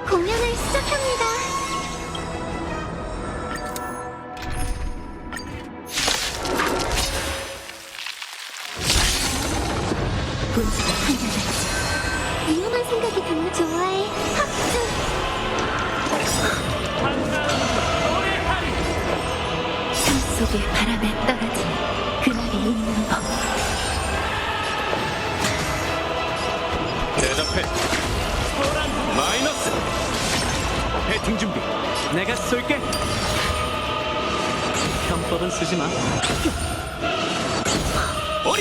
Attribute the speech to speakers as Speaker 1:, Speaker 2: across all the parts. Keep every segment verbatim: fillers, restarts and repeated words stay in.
Speaker 1: 공연을 시작합니다. 분수가 한결같이 위험한 생각이 드는 좋아해. 합주. 삶 속의 바람에 떨어지는 그날이 있는 법.
Speaker 2: 대답해. 마이너스. 배팅 준비.
Speaker 3: 내가 쏠게. 편법은 쓰지 마.
Speaker 2: 어린.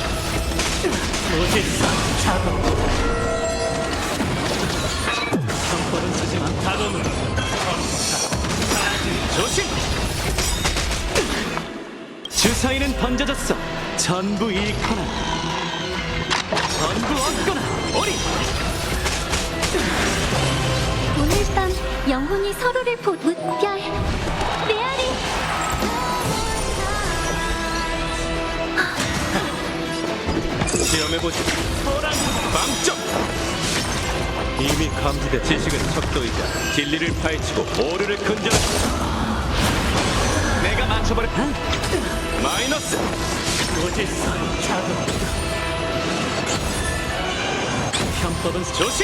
Speaker 3: 무질서 자동. 편법은 쓰지 마. 자동으로.
Speaker 2: 조심.
Speaker 3: 주사위는 던져졌어. 전부 잃거나 전부 얻거나.
Speaker 2: 어린.
Speaker 1: 오늘 밤 영혼이 서로를 보 물결. 메아리.
Speaker 2: 시험해보지. 빵점. 이미 감지된 지식은 척도이자 진리를 파헤치고 오류를 근절한다. 내가 맞춰버려. 마이너스.
Speaker 3: 무질서 자동. 편법은 쓰-
Speaker 2: 조심.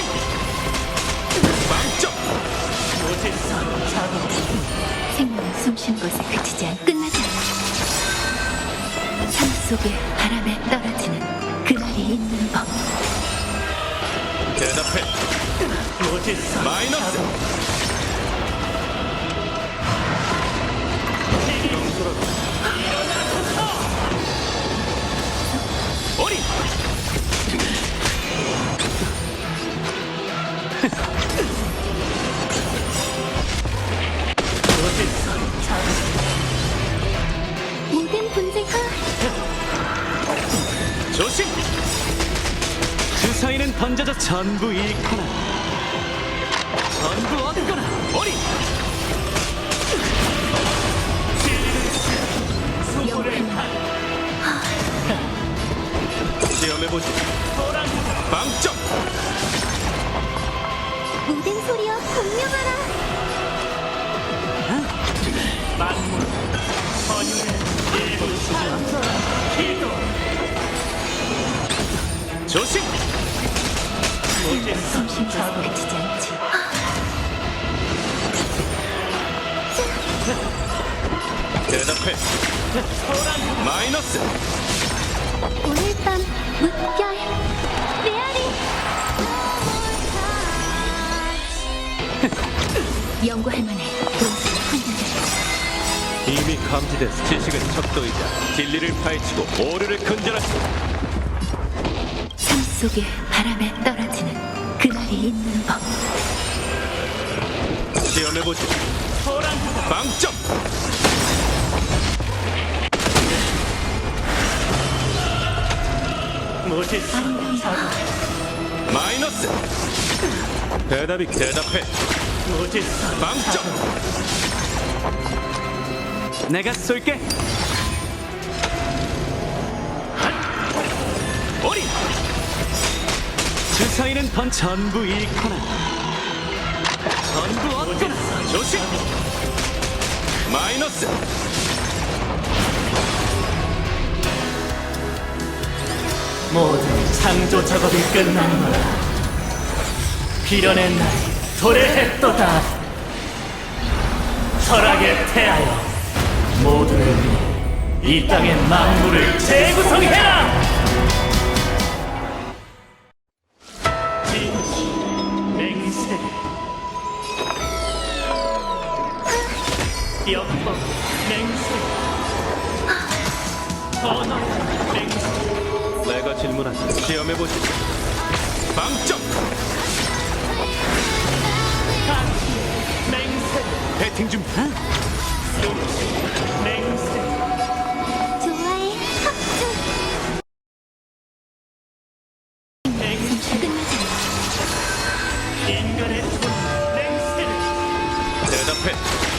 Speaker 2: 빵점.
Speaker 3: 무질서 자동.
Speaker 1: 생명은 숨쉬는 것에 그치지 않 끝나지 않아. 삶 속의 바람에 떨어지는 그날이 있는 법.
Speaker 2: 대답해.
Speaker 3: 무질서
Speaker 2: 마이너스. 어린.
Speaker 3: 무질서 자동.
Speaker 1: 모든 분쟁과
Speaker 2: 조심.
Speaker 3: 주사위는 던져져 전부 잃거나 전부 얻거나.
Speaker 2: 어린. 시험해보지. 빵점.
Speaker 1: 모든 소리여 공명하라.
Speaker 3: 만물 선율의 일부 수준 기도.
Speaker 2: 조심.
Speaker 3: 무질서
Speaker 1: 숨쉬는 것에
Speaker 3: 자동.
Speaker 1: 그치지 않지.
Speaker 2: 대답해. 마이너스.
Speaker 1: 오늘 밤 물결. 메아리. 연구할 만해. 분수가 한결같이.
Speaker 2: 이미 감지된 지식은 척도이자 진리를 파헤치고 오류를 근절한다.
Speaker 1: 삶 속의 바람에 떨어지는 그날이 있는 법.
Speaker 2: 시험해보지. 빵점.
Speaker 3: 무질서 자동.
Speaker 2: 마이너스. 대답이 대답해.
Speaker 3: 무질서
Speaker 2: 빵점.
Speaker 3: 내가 쏠게.
Speaker 2: 어린.
Speaker 3: 주사위는 던 전부 잃거나 전부 얻거나.
Speaker 2: 조심. 마이너스.
Speaker 3: 모든 창조 작업이 끝난 거라. 빌어낸 날이 도래했도다. 철학에 태하여 모두를 위해 이 땅의 만물을 재구성해라. 진실, 맹세, 역법, 맹세, 언어, 맹세.
Speaker 2: 내가 질문한다. 시험해보지. 빵점.
Speaker 3: 맹세,
Speaker 2: 배팅 준비.
Speaker 3: 맹세.
Speaker 1: 좋아해. 합주. 끝나지 않아.
Speaker 3: 인간의 돈 맹세를.
Speaker 2: 대답해.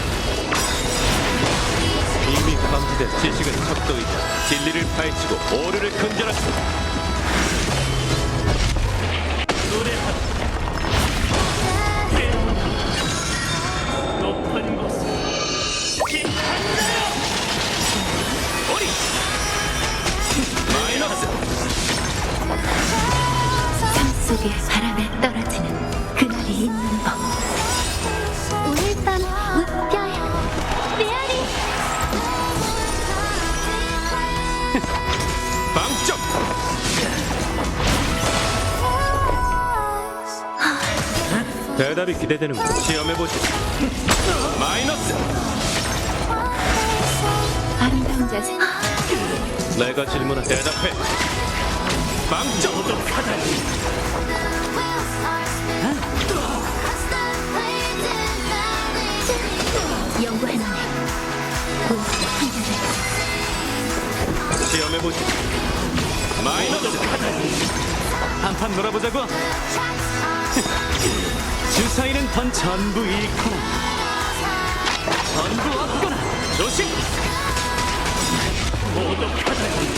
Speaker 2: 이미 감지된 지식은 척도이자 진리를 파헤치고 오류를 근절한다.
Speaker 3: 노래하라.
Speaker 1: 속에 바람에 떨어지는 그날이 있는 법. 오늘 밤 물결 메아리.
Speaker 2: 빵점. 대답이 기대되는군. 시험해보지. 마이너스.
Speaker 1: 아름다운 자세.
Speaker 2: 내가 질문한 대답해. 빵점.
Speaker 1: 연구할 만해. 고스트 환자들.
Speaker 2: 시험해보지. 마이너스. 한판 놀아보자고. 주사위는 던 전부 잃거나 전부 얻거나. 조심.
Speaker 3: 모독하다니